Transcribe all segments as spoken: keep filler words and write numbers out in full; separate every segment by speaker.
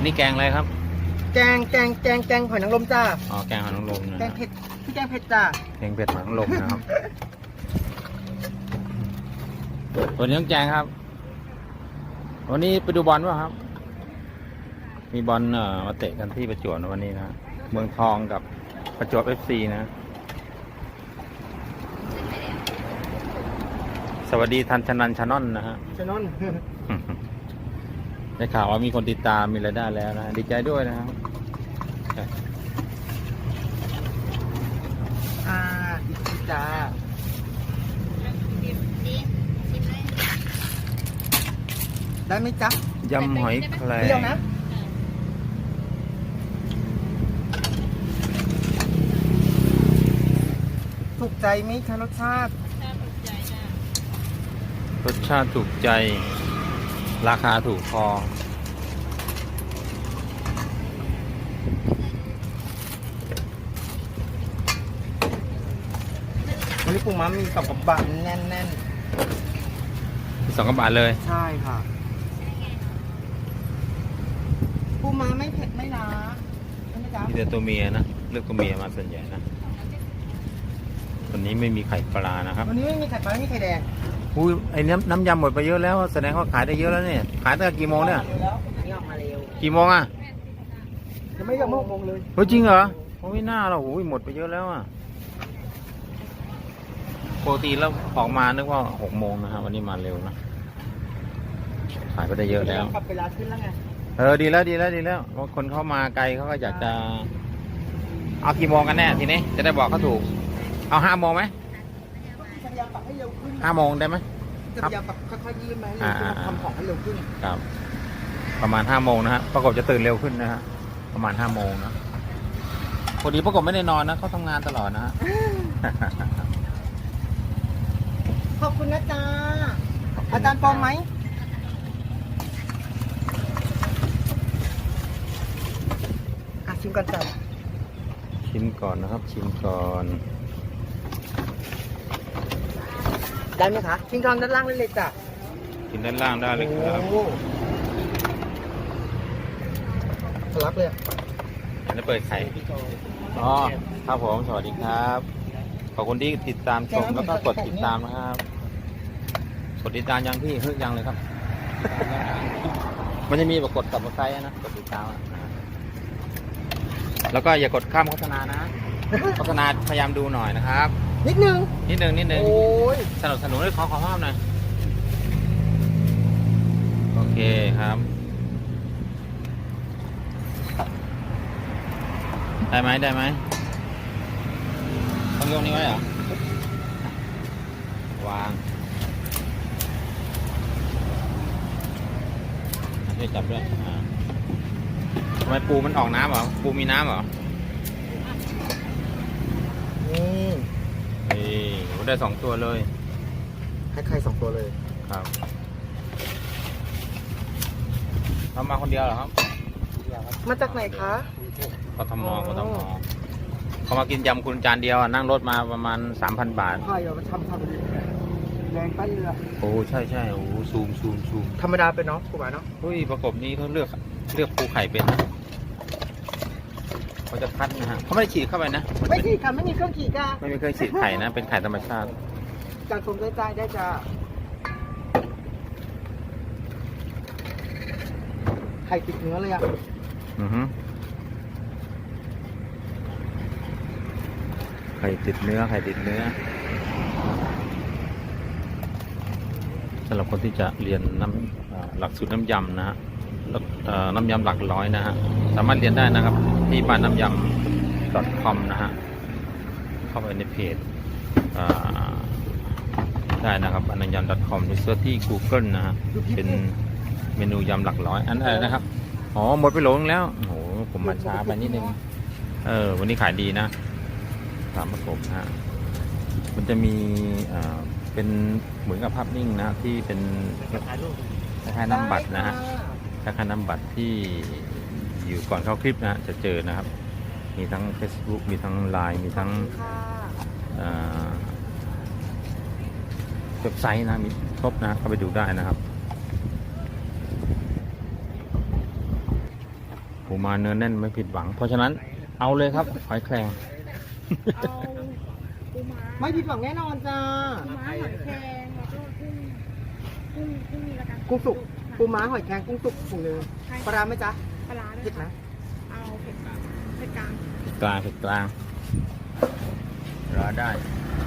Speaker 1: นี่แกงอะไรครับ
Speaker 2: แกงแกงแกงแกงหอยนางรมจ้า
Speaker 1: อ๋อแกงหอยนางรมนะ
Speaker 2: แกงเผ็ดพี่แกงเผ็ดจ้า
Speaker 1: แกงเผ็ดหอยนางรมนะครับวันนี้ต้องแจงครับวันนี้ไปดูบอลป่ะครับมีบอลเอ่อมาเตะกันที่ประจวบวันนี้นะเมืองทองกับประจวบเอฟซีนะสวัสดีทันชนันชานอนนะฮะ
Speaker 2: ชานอน
Speaker 1: ได้ข่าวว่ามีคนติดตามมีรายได้แล้วนะดีใจด้วยนะครับ
Speaker 2: อ่าอีกทีจ้าได้ไหมจ๊ะ
Speaker 1: ยำหอยแครง
Speaker 2: เปรี้ยวนะถูกใจไหมคะรสชาติ
Speaker 1: รสชาติถูกใจราคาถูกพอ
Speaker 2: วันนี้ปูม้ามีสองกระบะแน่นแน่น
Speaker 1: สองกระบาทเลย
Speaker 2: ใช่ค่ะปูม้าไม่เผ็ดไม่ล้าใช่ไหมจ๊ะ
Speaker 1: มีแต่ตัวเมียนะเลือกตัวเมียมาส่วนใหญ่นะวันนี้ไม่มีไข่ปลานะครับ
Speaker 2: วันนี้ไม่มีไข่ปลาไม่มีไข่แดง
Speaker 1: อุ้ยไอ้น้ำน้ำยำหมดไปเยอะแล้วแสดงว่าขายได้เยอะแล้วเนี่ยขายตั้งแต่กี่โมงเนี่ยกี่โมงอ่ะ
Speaker 2: ยังไม่ยังหกโมงเลย
Speaker 1: เฮ้ยจริงเหรอโอ้ยหน้าเราโอ้ยหมดไปเยอะแล้วอ่ะปกติแล้วออกมานึกว่าหกโมงนะครับวันนี้มาเร็วนะขายไปได้เยอะแล้ว
Speaker 2: ปรับเวลาขึ้นแล้วไง
Speaker 1: เออดีแล้วดีแล้วดีแล้วว่าคนเข้ามาไกลเขาก็อยากจะเอากี่โมงกันแน่ทีนี้จะได้บอกเขาถูกเอาห้าโมงไหม
Speaker 2: จะพยายามปรับให้เร็วขึ้น
Speaker 1: ห้าโมงได้ไหม
Speaker 2: จะพยายามปรับค่อยๆยืดไหมทำของให้เร็วขึ้น
Speaker 1: ครับประมาณห้าโมงนะฮะประกบจะตื่นเร็วขึ้นนะฮะประมาณห้าโมงนะพอดีประกบไม่ได้นอนนะเขาทำงานตลอดนะฮะ
Speaker 2: ขอบคุณนะจ๊ะอาจารย์ปอมไหมอ่ะชิมก่อนจ้ะ
Speaker 1: ชิมก่อนนะครับชิมก่อน
Speaker 2: ได้ไหมคะชิมก่อนด้านล่างได้เลยจ้ะ
Speaker 1: กินด้านล่างได้เลยครับ
Speaker 2: ทะลักเลย
Speaker 1: อันนี้เปิดไข่อ๋อครับผมสวัสดีครับขอบคุณที่ติดตามชมแล้วก็กดติดตามนะครับกดติดตามยังพี่เฮ้ยยังเลยครับมันจะมีแบบกดกับไลค์นะกดติดตามแล้วก็อย่ากดข้ามโฆษณานะโฆษณาพยายามดูหน่อยนะครับ
Speaker 2: นิดนึง
Speaker 1: นิดนึงนิดนึงสนับสนุนให้ขอขอภาพหน่อยโอเคครับได้ไหมได้ไหมต้องยกนี้ไว้เหรอวางช่วยจับด้วยทำไมปูมันออกน้ำเหรอปูมีน้ำเหรอ
Speaker 2: นี่
Speaker 1: นี่ได้สองตัวเลย
Speaker 2: ให้ใครสองตัวเลย
Speaker 1: ครับทำมาคนเดียวเหรอครับ
Speaker 2: มาจากไหนคะ
Speaker 1: กทมกทมเขามากินยำคุณจานเดียวนั่งรถมาประมาณสามพันบาท
Speaker 2: ใช่เราทำทำแรงปั้นเรือ
Speaker 1: โอ้ใช่ใช่โอ้ซูมซูมซูม
Speaker 2: ธรรมดาเป็นเนาะกูบอกเนาะ
Speaker 1: เฮ้ยประกบนี้เขาเลือกเลือกปูไข่เป็นนะเขาจะคัดนะฮะเขาไม่ได้ฉีดเข้าไปนะ
Speaker 2: ไม่ฉีดค่ะไม่มีเครื่องฉีดค่ะ
Speaker 1: ไม่มีเครื่องฉีดไข่นะเป็นไข่ธรรมชาติ
Speaker 2: จากชมได้ใจได้จ้าไข่ติดเนื้อเลยอ่ะ
Speaker 1: อือฮึไข่ติดเนื้อไข่ติดเนื้อสำหรับคนที่จะเรียนน้ำหลักสูตรน้ำยำนะฮะน้ำยำหลักร้อยนะฮะสามารถเรียนได้นะครับที่บ้านน้ำยำ .com นะฮะเข้าไปในเพจได้นะครับบ้านน้ำยำ .com หรือเสิร์ชที่ Google นะฮะเป็นเมนูยำหลักร้อยอันอะไรนะครับอ๋อหมดไปโหลนึงแล้วโอ้โหผมมาช้าไปนิดนึงเออวันนี้ขายดีนะสามประกบฮะมันจะมีเป็นเหมือนกับภาพนิ่งนะที่เป็นคล้ายๆน้ำบัตรนะฮะคล้ายๆน้ำบัตรที่อยู่ก่อนเข้าคลิปนะจะเจอนะครับมีทั้ง Facebook มีทั้ง ไลน์ มีทั้งเว็บไซต์นะมีครบนะเข้าไปดูได้นะครับปูม้าเนื้อแน่นไม่ผิดหวัง เพราะฉะนั้นเอาเลยครับหอยแครง
Speaker 3: เอาปูม้า
Speaker 2: ไม่ผิดหวังแน่นอนจ้า
Speaker 3: ปูม้าหอยแครงแล้วก็กุ้งกุ้งกุ้งนี่ละกัน
Speaker 2: กุ้งสุกปูม้าหอยแครงกุ้งสุกถุงหนึง
Speaker 3: ใช่
Speaker 2: ปลาร้าไหมจ๊ะ
Speaker 3: ปลาร้าด้วย
Speaker 2: เผ็ดไหม
Speaker 3: เอาเผ็ดเผ็ดกลาง
Speaker 1: เผ็ดกลางเผ็ดกลางรอได้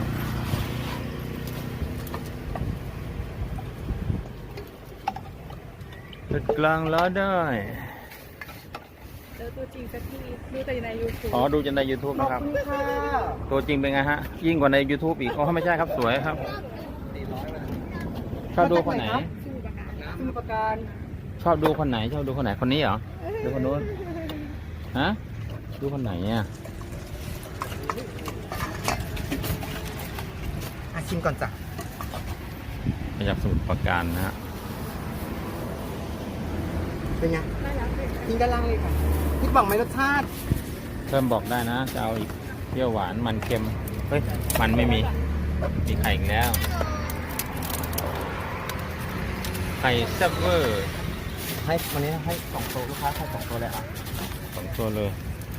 Speaker 1: เผ็ดกลางรอได้
Speaker 3: เจอตัวจริงสักทีดูแต่ในยูทูบ
Speaker 1: อ๋อดูจนใน YouTube
Speaker 2: ขอบ
Speaker 1: นะครับ
Speaker 2: คุณค่ะ
Speaker 1: ตัวจริงเป็นไงฮะ ยิ่งกว่าใน YouTube อีกอ๋อไม่ใช่ครับสวยครับชอบดูคนไหน
Speaker 3: สู้ประกาศ
Speaker 2: สมุทรปราการ
Speaker 1: ชอบดูคนไหน ชอบดูคนไหนคนนี้เหรอดูคนนู้นฮะดูคนไหนเนี่ย
Speaker 2: อ่ะชิมก่อนจ้ะ
Speaker 1: มาจากสมุทรปราการนะฮะ
Speaker 2: เป็นไง
Speaker 3: ได้แล้วเป็น
Speaker 2: กินด้านล่างเลยค่ะผิดหวังไหมรสชาติ
Speaker 1: เพิ่มบอกได้นะจะเอาอีกเปรี้ยวหวานมันเค็มเฮ้ยมันไม่มีมีไข่อีกแล้วไข่แซ่บเวอร์
Speaker 2: ให้วันนี้ให้สองโต๊ะลูกค้าให้สองโต๊ะเลยอ่ะ
Speaker 1: สองตัวเลย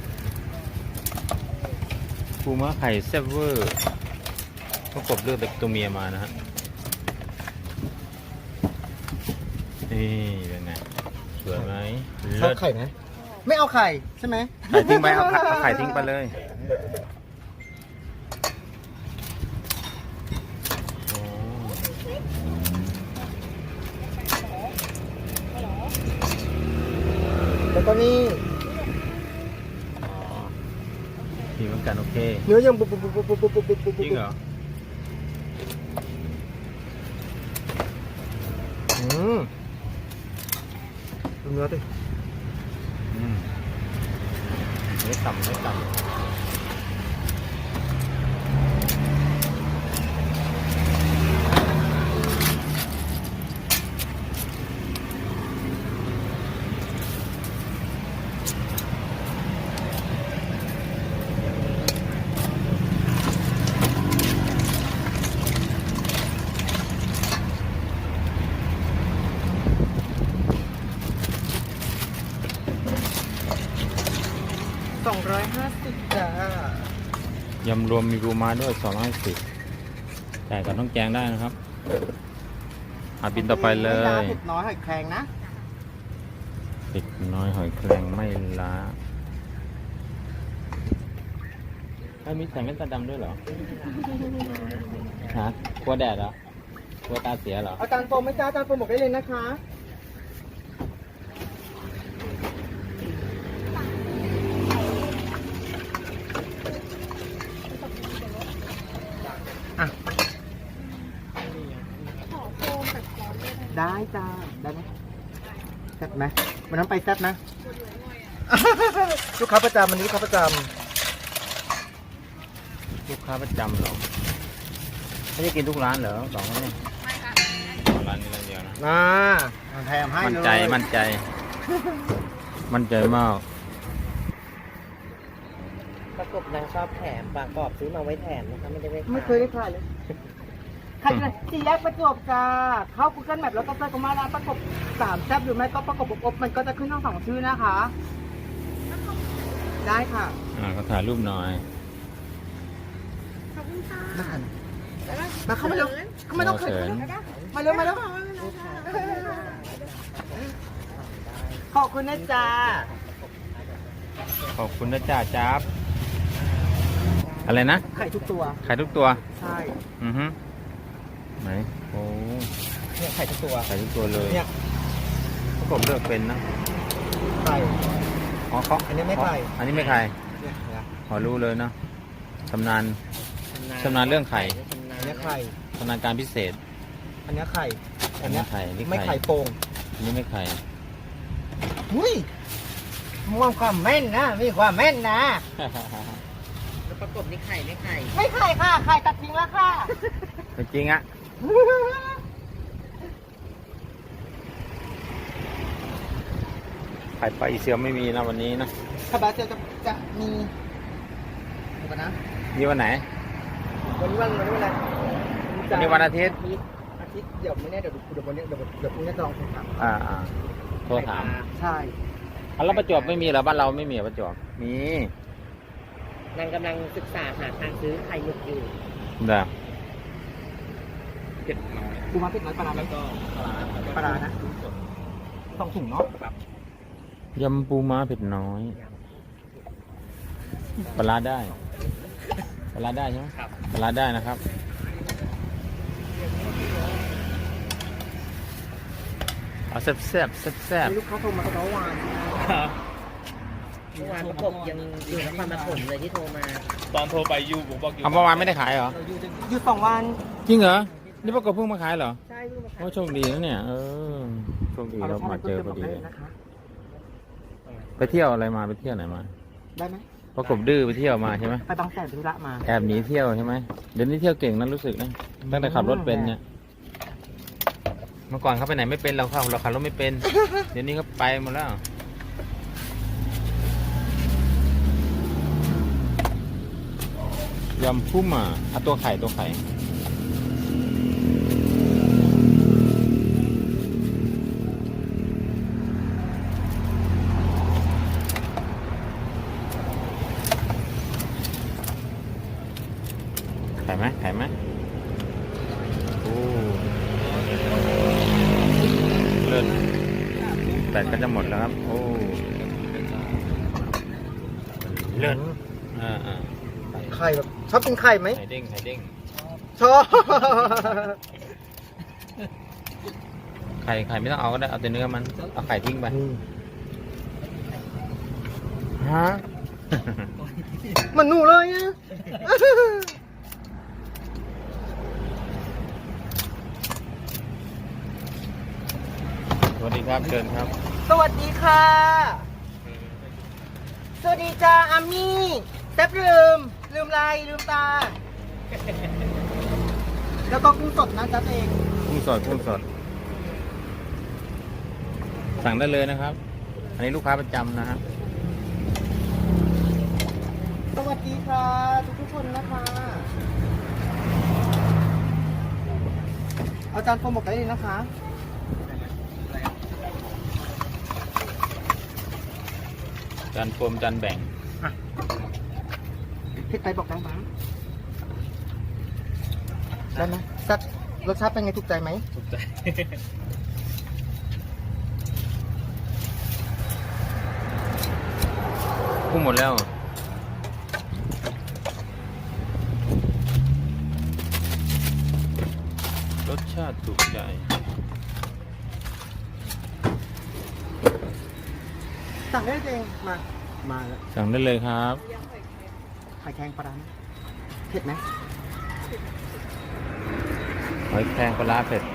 Speaker 1: ปูม้าไข่แซ่บเวอร์ประกบเลือกแบบตัวเมียมานะฮะนี่เป็นไงสวยไหม
Speaker 2: ชอ
Speaker 1: เลิ
Speaker 2: บ
Speaker 1: ศ
Speaker 2: ไข่ไหมไม่เอาไข่ใช่ไหม
Speaker 1: ไข่ทิ้งไปเอาไข่เอาไข่ทิ้งไปเลยโอ้
Speaker 2: แล้วก็นี่
Speaker 1: อ๋อดีเหมือนกันโอเค
Speaker 2: เนื้อยังบุบบุบบุบบุบบุบบุบบุบบุบ
Speaker 1: จริงเหรอ
Speaker 2: อืมดูเนื้อดิ
Speaker 1: อืมไม่ต่ำไม่ต่ำ
Speaker 2: สองร้อยห้าสิบจ้าย
Speaker 1: ำรวมมีปูม้าด้วยสองร้อยสิบแต่ก็ต้องแกงได้นะครับอาบินต่อไปเล
Speaker 2: ไม่ล้าย เผ็ดน้อยหอยแครงนะ
Speaker 1: เด็กน้อยหอยแครงไม่ล้าถ้ามีใส่แว่นตาดำด้วยเหรอ ฮะกลัวแดดเหรอ กลัวตาเสียเหรอ
Speaker 2: เอาจานโฟมไหม่จ้าจานโฟมบอกได้เลยนะคะอ่ะ
Speaker 3: ขอโฟมแบบร้อนเลยนะ
Speaker 2: ได้จ้าได้ไหมแซ่บไหมวันนั้นไปแซ่บนะ
Speaker 3: ปวดหัวหน่อยอ่ะ
Speaker 2: ลูกค้าประจำวันนี้ลูกค้าประจ
Speaker 1: ลูกค้าประจำเหรอไม่ได้กินทุกร้านเหรอสองคนเนี่ย
Speaker 3: ไม่ค่ะ
Speaker 1: ร้านนี้ร้านเดียวนะ
Speaker 2: ำอ่าแถมให้
Speaker 1: มั่น
Speaker 2: เลย
Speaker 1: ใจ มั่นใจ มั่นใจมาก
Speaker 4: ประกบนางชอบแถมปากกรอบซื้อมาไว้แถมนะคะไม่ได้ไว้
Speaker 2: ไม่เคยได้ขายเลยใครจะสี่แยกประจวบจ้าเข้า Google Map แล้วก็เซิร์ชคำว่าร้านประกบสามแซ่บหรือไม่ก็ประกบอบอบมันก็จะขึ้นทั้งสองชื่อนะคะ ได้ค่ะ
Speaker 1: อ่าเขาถ่ายรูปหน่อย
Speaker 3: ขอบคุณค่ะ
Speaker 2: ได้ค่ะ
Speaker 3: แล้วก็
Speaker 2: มาเข้ามาเร็วเข้ามาต้องเขินมาเร็วมาเร็วขอบคุณนะจ๊ะ
Speaker 1: ขอบคุณนะจ่าจ๊าบอะไรนะ
Speaker 2: ไข่ทุกตัว
Speaker 1: ขายทุกตัว
Speaker 2: ใช่
Speaker 1: อือฮึไหน โอ้
Speaker 2: เนี่ยไข่ทุกตัว
Speaker 1: ขายทุกตัวเลย
Speaker 2: เนี่ย
Speaker 1: ผมเลือกเป็นนะ
Speaker 2: ไข่
Speaker 1: อ๋อเขา
Speaker 2: อันนี้ไม่ไข่
Speaker 1: อันนี้ไม่ไข่
Speaker 2: เนี่ยนะ
Speaker 1: ขอรู้เลยเนาะชำนาญ ชำนาญเรื่องไข่
Speaker 2: อันนี้ไข่
Speaker 1: ชำนาญการพิเศษ
Speaker 2: อันนี้ไข่
Speaker 1: อันนี้ไข่นี่
Speaker 2: ไม่
Speaker 1: ไข่
Speaker 2: ไข่โป่ง
Speaker 1: อันนี้ไม่ไข่
Speaker 2: อุ้ยมีความแม่นนะมีความแม่นนะ
Speaker 4: แล้วประกบนี่ไข่ไม่ไข่
Speaker 2: ไม่ไข่ค่ะ ไข่ตัดทิ้งแล้วค่ะ
Speaker 1: จริงอะไข่ปลาอีเซียวไม่มีนะวันนี้นะ
Speaker 2: คาบาเซลจะจะมีเดี๋ยวก่อนนะ
Speaker 1: มีวันไหน
Speaker 2: วันนี้วันวันนี้วันอะไร
Speaker 1: วันนี้วันอาทิตย์
Speaker 2: อาทิตย์เดี๋ยวไม่แน่เดี๋ยวดูเดี๋ยววันนี้เดี๋ยวเดี๋ยวพรุ่งนี้จะลองโทรถาม
Speaker 1: อ่าอ่าโทรถาม
Speaker 2: ใช่
Speaker 1: ไปอ่ะแล้วประจวบไม่มีเหรอบ้านเราไม่มีเหรอประจวบมี
Speaker 4: นางกำลังศึกษาหาทางซื้อไข่หมึกอยู่
Speaker 1: เด้อ
Speaker 2: ปูม้าเผ็ดน้อยปลาร้าไหมปลาร้านะสองถุงเนาะ
Speaker 1: ยำปูม้าเผ็ดน้อยปลาร้าได้ปลาร้าได้ใช่ไหมปลาร้าได้นะครับเอาแซ่บแซ่บแซ่บแซ่บ
Speaker 2: มีลูกค้าโทรมาก็ร้องวาน
Speaker 4: เมื่อวานประกบยังอยู่นครปฐมเลยที่โทรมา
Speaker 5: ตอนโทรไปยูผมบอกยู
Speaker 1: เอาเมื่อวานไม่ได้ขายเหรอ
Speaker 2: อยู่สองวัน
Speaker 1: จริงเหรอนี่ประกบเพิ่งมาขายเหรอ
Speaker 2: ใช่ลูกมาขาย
Speaker 1: โอ้โชคดีนะเนี่ยเออโชคดีเรามาเจอพอดีเลย
Speaker 2: นะคะ
Speaker 1: ไปเที่ยวอะไรมาไปเที่ยวไหนมา
Speaker 2: ได้ไหม
Speaker 1: ประกบดื้อไปเที่ยวมาใช่ไหม
Speaker 2: ไปบางแสนธุระมา
Speaker 1: แอบหนีเที่ยวใช่ไหมเดี๋ยวนี้เที่ยวเก่งนะรู้สึกนะตั้งแต่ขับรถเป็นเนี่ยเมื่อก่อนเขาไปไหนไม่เป็นเราขับเราขับรถไม่เป็น เดี๋ยวนี้เขาไปหมดแล้วยำพุ่มอ่ะเอาตัวไข่ตัวไข่ไข่ไหมไข่ไหมโอ้เลิศแบตก็จะหมดแล้วครับโอ้เลิศอ่าอ่า
Speaker 2: ไข่แบบชอบกินไข่ไหม
Speaker 1: ไข่เด้งไข่เด้ง
Speaker 2: ชอบ
Speaker 1: ไข่ไข่ไม่ต้องเอาก็ได้เอาแต่เนื้อมันเอาไข่ทิ้งไปฮะ
Speaker 2: มันหนูเลยอะ
Speaker 1: สวัสดีครับเชิญครับ
Speaker 2: สวัสดีค่ะ สวัสดีจ้าอามี่แซ่บลืม ลืมลายลืมตา แล้วก็กุ้งสดนะจ๊ะเอง
Speaker 1: กุ้งสดกุ้งสดสั่งได้เลยนะครับ อันนี้ลูกค้าประจำนะฮะ
Speaker 2: สวัสดีค่ะทุกทุกๆคนนะคะ เอาจารย์โฟมบอกได้เลยนะคะ
Speaker 1: จานโฟมจานแบ่ง
Speaker 2: เผ็ดไปบอกได้ไหมได้ไหมสักรสชาติเป็นไงถูกใจไหม
Speaker 5: ถูกใจ
Speaker 1: กุ้งหมดแล้ว รสชาติถูกใจ
Speaker 2: สั่งได้เลยเองมา มาแล้ว
Speaker 1: สั่งได้เลยครับ
Speaker 2: ไข่แข็งปลาร้าเผ็ดไหม
Speaker 1: หอยแครงปลาร้าเผ็ด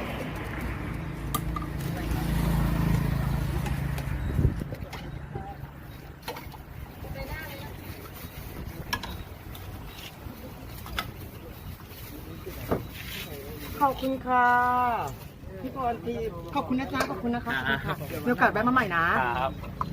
Speaker 2: ขอบคุณค่ะ พี่พรทีขอบคุณนะจ๊ะขอบคุณนะคะขอบคุณค่ะมีโอกาสแวะมาใหม่นะ
Speaker 5: ครับ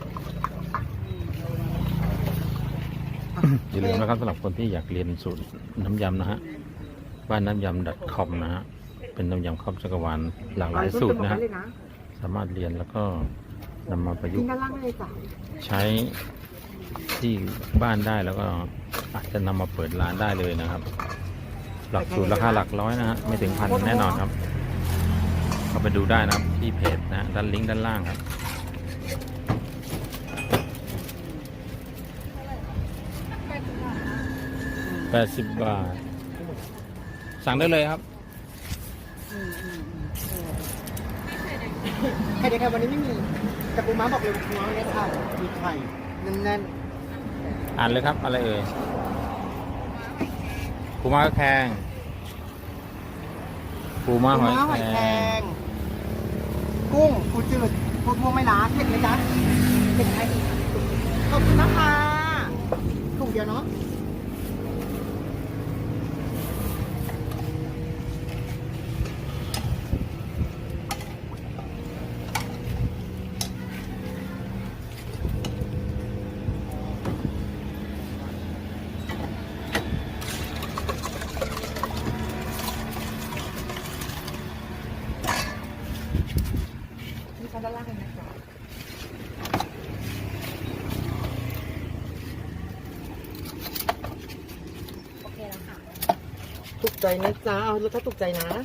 Speaker 1: อย่าลืมนะครับสำหรับคนที่อยากเรียนสูตรน้ำยำนะฮะบ้านน้ำยำ .com นะฮะเป็นน้ำยำครอบจักรวาลหลากหลายสูตรนะฮะสามารถเรียนแล้วก็นำมาประยุ
Speaker 2: กิ
Speaker 1: ก
Speaker 2: น
Speaker 1: ต์
Speaker 2: ด้านล่างได้เลยจ้ะ
Speaker 1: ใช้ที่บ้านได้แล้วก็อาจจะนำมาเปิดร้านได้เลยนะครับ หลักสูตรราคาหลักร้อยนะฮะไม่ถึงพันแน่นอนครับเข้าไปดูได้นะครับที่เพจนะฮะด้านลิงก์ด้านล่างครับแปดสิบบาท สั่งได้เลยครับ
Speaker 2: ไข่เด็กไข่วันนี้ไม่มีแต่ปูม้าบอกเลยปูม้าวันนี้ค่ะมีไข่แน่น
Speaker 1: อ่านเลยครับ อะไรเอ่ยปูม้าแครงปู
Speaker 2: ๆ
Speaker 1: ม้า
Speaker 2: ปู
Speaker 1: หอย
Speaker 2: ม้าห
Speaker 1: แค
Speaker 2: อย
Speaker 1: ร
Speaker 2: แครง
Speaker 1: ง
Speaker 2: กุ้งปูจืดปูพวงไม่ล้าเผ็ดไหมจ๊ะเผ็ดไหมขอบคุณนะคะถุงเดียวเนาะมีชั้นด้านล่างเลยนะจ๊ะใจนะจ๊ะเอาถ้าถูกใจนะ